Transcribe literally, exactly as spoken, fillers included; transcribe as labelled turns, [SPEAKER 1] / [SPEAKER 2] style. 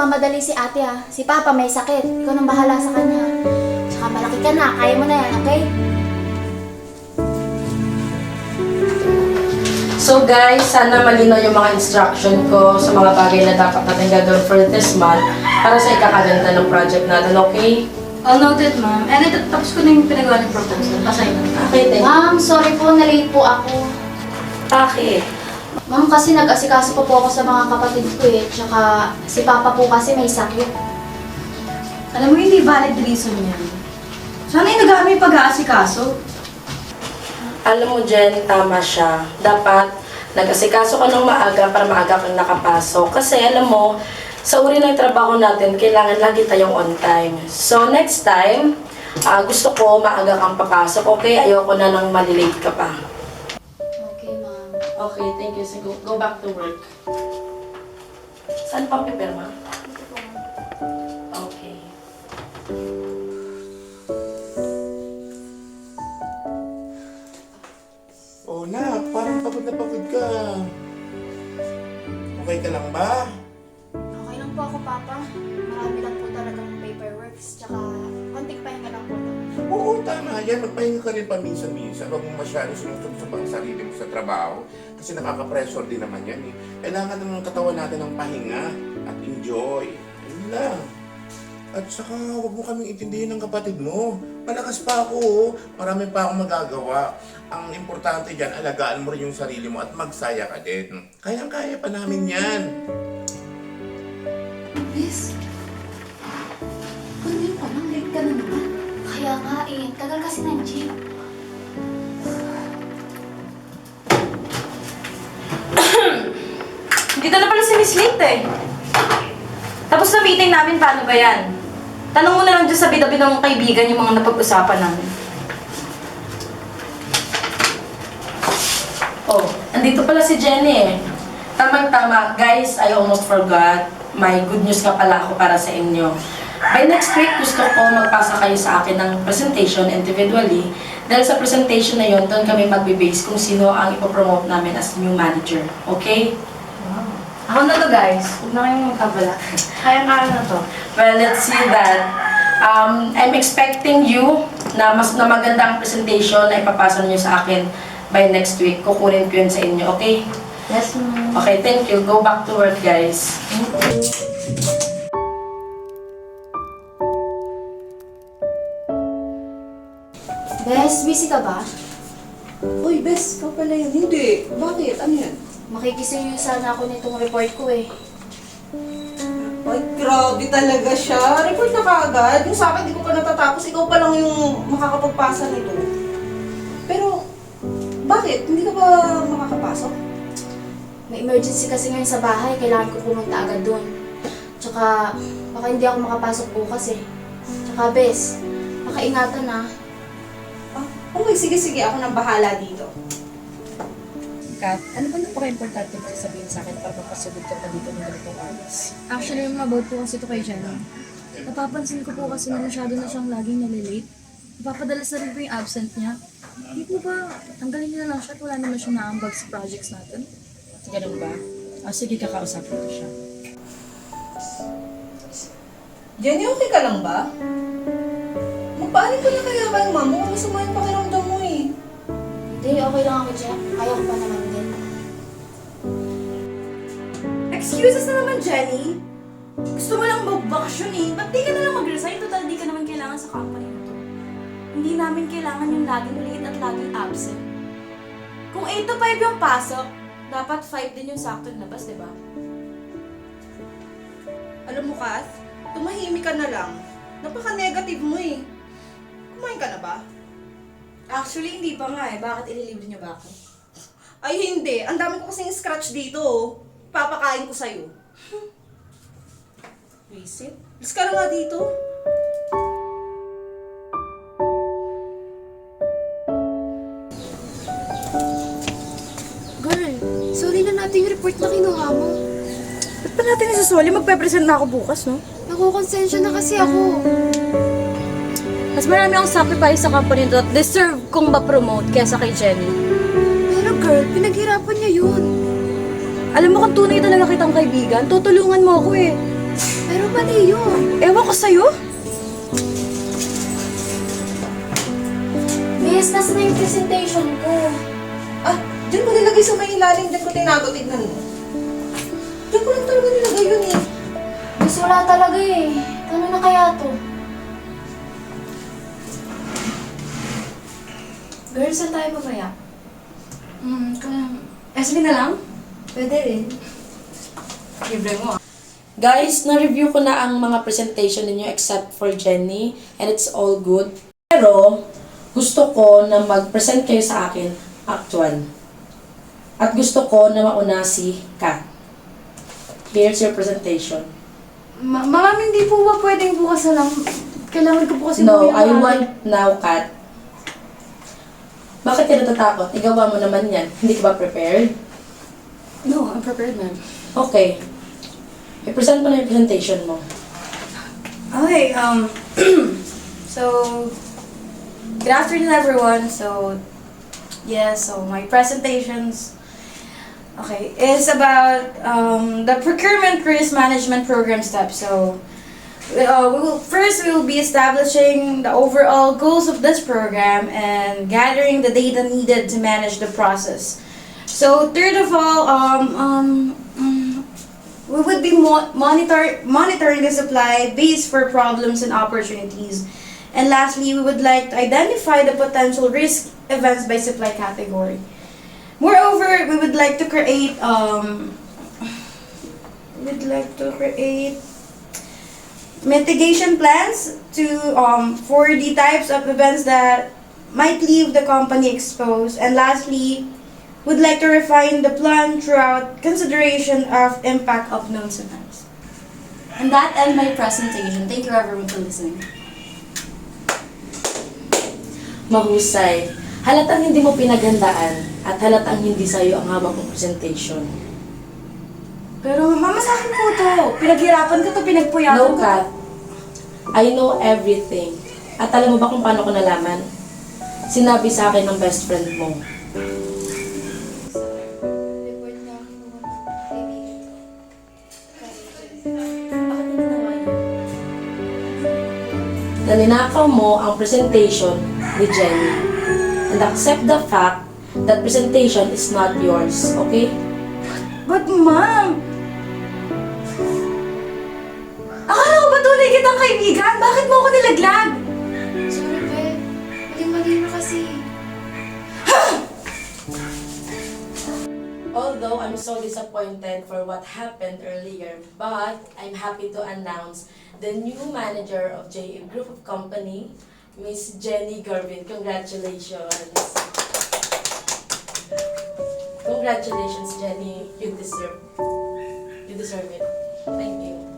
[SPEAKER 1] magmamadali si ate ha. Si Papa may sakit. Ikaw nang bahala sa kanya. Tsaka malaki ka na. Kaya mo na yan, okay?
[SPEAKER 2] So guys, sana malinaw yung mga instruction ko sa mga bagay na dapat natin gagawin for this month para sa ikakaganda ng project natin, okay?
[SPEAKER 3] All noted, ma'am. And ito, tapos ko na yung pinagawa ng proposal. Pasay na.
[SPEAKER 2] Okay, thank you.
[SPEAKER 1] Ma'am, sorry po. Na-late po ako.
[SPEAKER 2] Bakit?
[SPEAKER 1] Ma'am, kasi nag-asikaso pa po ako sa mga kapatid ko eh. Tsaka si Papa po kasi may sakit.
[SPEAKER 3] Alam mo, hindi valid reason yan. Sana yung nag-aano yung pag-aasikaso.
[SPEAKER 2] Alam mo, Jen, tama siya. Dapat nag-asikaso ka ng maaga para maaga kang nakapasok. Kasi alam mo, sa uri ng trabaho natin, kailangan lagi tayong on time. So next time, ah, gusto ko maaga kang papasok, okay? Ayoko na nang malilate ka pa.
[SPEAKER 1] Okay, ma'am.
[SPEAKER 2] Okay, thank you. So go, go back to work. Saan pa pipirma? Okay.
[SPEAKER 4] Oh, nak, parang pagod na pagod ka. Okay ka lang ba?
[SPEAKER 1] Okay lang po ako, Papa. Marami lang po talagang paperworks. Tsaka konting pahinga lang po.
[SPEAKER 4] Oo, tama yan. Magpahinga ka rin paminsan-minsan. Huwag mo masyado sinusunod ang sarili mo sa trabaho. Kasi nakaka-pressure din naman yan eh. Kailangan naman ng katawan natin ng pahinga at enjoy. Yun lang. At saka, huwag mo kaming intindihin ng kapatid mo. Malakas pa ako, oh. Marami pa akong magagawa. Ang importante dyan, alagaan mo rin yung sarili mo at magsaya ka din. Kayang-kaya pa namin yan.
[SPEAKER 1] Miss, kanina pa lang, late ka na naman. Kaya nga eh, tagal kasi ng jeep.
[SPEAKER 3] Dito na pala si Miss Late eh. Tapos na meeting namin, paano ba yan? Tanong mo na lang dyan sa bida-bida mong kaibigan yung mga napag-usapan namin.
[SPEAKER 2] Oh, andito pala si Jenny eh. Tamang-tama, guys, I almost forgot. May good news ka pala ako para sa inyo. By next week, gusto ko magpasa kayo sa akin ng presentation individually. Dahil sa presentation na yon, doon kami magbe-base kung sino ang ipopromote namin as new manager. Okay?
[SPEAKER 3] Ako na to, guys. Huwag na kayong magkabala. Kaya-kaya na to.
[SPEAKER 2] Well, let's see that. Um, I'm expecting you na mas na maganda ang presentation na ipapasa niyo sa akin by next week. Kukunin ko yun sa inyo, okay?
[SPEAKER 3] Yes, ma'am.
[SPEAKER 2] Okay, thank you. Go back to work, guys.
[SPEAKER 1] Bes, busy ka ba?
[SPEAKER 5] Uy, Bes, ikaw pala yun. Hindi. Bakit? Ano yan?
[SPEAKER 1] Makikisuyo sana ako nitong report ko eh.
[SPEAKER 5] Ay, grabe talaga siya. Report na kaagad. Yung sa akin, di ko pa natatapos. Ikaw pa lang yung makakapagpasa nito. Pero, bakit? Hindi ka ba makakapasok?
[SPEAKER 1] May emergency kasi ngayon sa bahay, kailangan ko pumunta agad doon. Tsaka, baka hindi ako makapasok bukas eh. Tsaka, Bes, makaingatan na.
[SPEAKER 5] Ah, okay, sige, sige. Ako nang bahala dito.
[SPEAKER 6] Kat, ano ba napaka-importante mo sasabihin sa akin para mapasugod ka pa dito ng ganitong oras?
[SPEAKER 7] Actually, mabout po kasi ito kay Jenny. Napapansin ko po kasi na masyado na siyang laging nalilate. Napapadalas na rin po yung absent niya. Hindi po ba, tanggalin niyo na lang siya at wala naman siya naambag sa projects natin?
[SPEAKER 6] Ganun ba? Ah, sige, kakausapin ko siya.
[SPEAKER 5] Jenny, okay ka lang ba? Magpaanin ko na kaya kayo, ma'am. Mukhang masama yung pakiramdam mo eh.
[SPEAKER 1] Hindi, okay lang ako dyan. Kaya ko pa naman din.
[SPEAKER 3] Excuses na naman, Jenny. Gusto mo lang magbakasyon eh. Ba't di ka na lang mag-resign? Total, di ka naman kailangan sa company na to. Hindi namin kailangan yung laging late at laging absent. Kung eight to five yung pasok, dapat five din yung sakto labas, di ba?
[SPEAKER 5] Alam mo, Kath, tumahimik ka na lang. Napaka-negative mo eh. Kumain ka na ba?
[SPEAKER 3] Actually, hindi pa nga eh. Bakit ililibre niyo ba ako?
[SPEAKER 5] Ay, hindi. Ang dami ko kasing scratch dito, oh. Papakain ko sa'yo.
[SPEAKER 3] Visit?
[SPEAKER 5] Alis ka na nga dito.
[SPEAKER 7] Girl, sorry na natin yung report na kinuha mo.
[SPEAKER 3] Ba't pa natin isasoli? Magpe-present na ako bukas, no?
[SPEAKER 7] Nakukonsensya na kasi ako.
[SPEAKER 3] Mas marami akong sacrifice sa company to at deserve kong ma-promote kesa kay Jenny.
[SPEAKER 7] Pero girl, pinaghirapan niya yun.
[SPEAKER 3] Alam mo kung tunay talaga kitang kaibigan, tutulungan mo ako eh.
[SPEAKER 7] Pero mali yun.
[SPEAKER 3] Ewan ko sa'yo.
[SPEAKER 1] Miss, nasa na yung presentation ko.
[SPEAKER 5] Ah, dyan ko nilagay sa may ilalim, dyan ko tinago, tignan mo. Dyan ko lang talaga nilagay yun eh.
[SPEAKER 1] Miss, wala talaga eh. Ano na kaya to?
[SPEAKER 7] Girls, saan tayo mamaya?
[SPEAKER 3] Hmm, kung... S B na lang?
[SPEAKER 7] Pwede rin.
[SPEAKER 3] Libre mo ah.
[SPEAKER 2] Guys, na-review ko na ang mga presentation ninyo except for Jenny and it's all good. Pero, gusto ko na mag-present kayo sa akin actual. At gusto ko na mauna si Kat. Here's your presentation.
[SPEAKER 3] Ma Ma'am, hindi po ba pwedeng bukas na lang? Kailangan ko po kasi
[SPEAKER 2] No,
[SPEAKER 3] mamaya
[SPEAKER 2] I
[SPEAKER 3] maaga.
[SPEAKER 2] want now, Kat. Bakit ka natatakot? Igawa mo naman yan. Hindi ka ba prepared?
[SPEAKER 3] No, I'm prepared, ma'am.
[SPEAKER 2] Okay. I-present mo na yung presentation mo.
[SPEAKER 3] Okay, um, so, good afternoon everyone. So, yeah, so my presentations, okay, is about um, the procurement risk management program steps. So, uh, we will first we will be establishing the overall goals of this program and gathering the data needed to manage the process. So, third of all, um, um, mm, we would be mo- monitor monitoring the supply base for problems and opportunities. And lastly, we would like to identify the potential risk events by supply category. Moreover, we would like to create um we'd like to create mitigation plans to um for the types of events that might leave the company exposed. And lastly, would like to refine the plan throughout consideration of impact of known events. And that ends my presentation. Thank you everyone for listening.
[SPEAKER 2] Mahusay. Halatang hindi mo pinaghandaan at halatang hindi sa'yo ang hawak ng presentation.
[SPEAKER 3] Pero mama, sa akin po to. Pinaghirapan ko to, pinagpuyakan
[SPEAKER 2] No,
[SPEAKER 3] ko.
[SPEAKER 2] Kat. I know everything. At alam mo ba kung paano ko nalaman? Sinabi sa akin ng best friend mo.
[SPEAKER 1] Report na ako.
[SPEAKER 7] Bakit mo ginawa yun?
[SPEAKER 2] Na ninakaw mo ang presentation ni Jenny. And accept the fact that presentation is not yours, okay?
[SPEAKER 3] But ma'am, akala ko ba tunay kitang kaibigan? Bakit mo ako nilaglag?
[SPEAKER 1] Sorry, Be. Mali-mali na kasi.
[SPEAKER 2] Although I'm so disappointed for what happened earlier, but I'm happy to announce the new manager of J A Group of Company, Miss Jenny Garvin. Congratulations! Congratulations, Jenny. You deserve, you deserve it. Thank you.